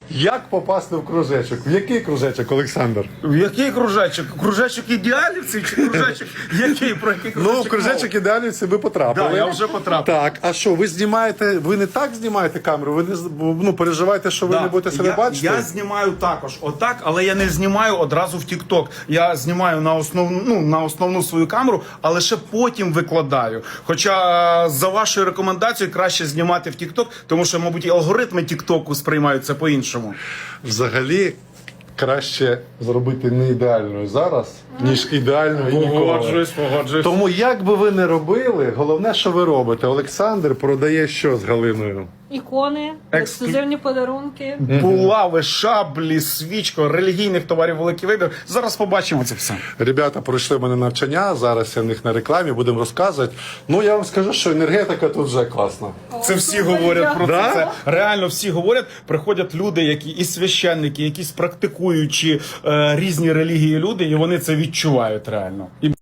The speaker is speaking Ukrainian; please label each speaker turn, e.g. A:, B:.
A: Як попасти в кружечок? В який кружечок, Олександр?
B: В який кружечок? Кружечок ідеалівців чи кружечок який? Про який кружечок?
A: Ну, в кружечок ідеалівці ви потрапили.
B: Да, я вже потрапив.
A: Так, а що, ви знімаєте, ви не так знімаєте камеру? Ви не переживаєте, що ви не будете себе бачити?
B: Я знімаю також отак, але я не знімаю одразу в TikTok. Я знімаю на основну свою камеру, а лише потім викладаю. Хоча за вашою рекомендацією краще знімати в TikTok, тому що, мабуть, і алгоритми TikTok сприймають це по-іншому.
A: Взагалі, краще зробити не ідеальною зараз, ніж ідеальною ніколи.
B: Погоджуюсь.
A: Тому як би ви не робили, головне, що ви робите. Олександр продає що з Галиною?
C: Ікони, ексклюзивні подарунки.
B: Булави, шаблі, свічко, релігійних товарів великий вибір. Зараз побачимо це все.
A: Ребята пройшли в мене навчання, зараз я в них на рекламі, будемо розказувати. Ну, я вам скажу, що енергетика тут вже класна.
B: Це всі говорять про
A: Да?
B: це. Реально всі говорять. Приходять люди, які і священники, якісь практикуючі різні релігії люди, і вони це відчувають реально. І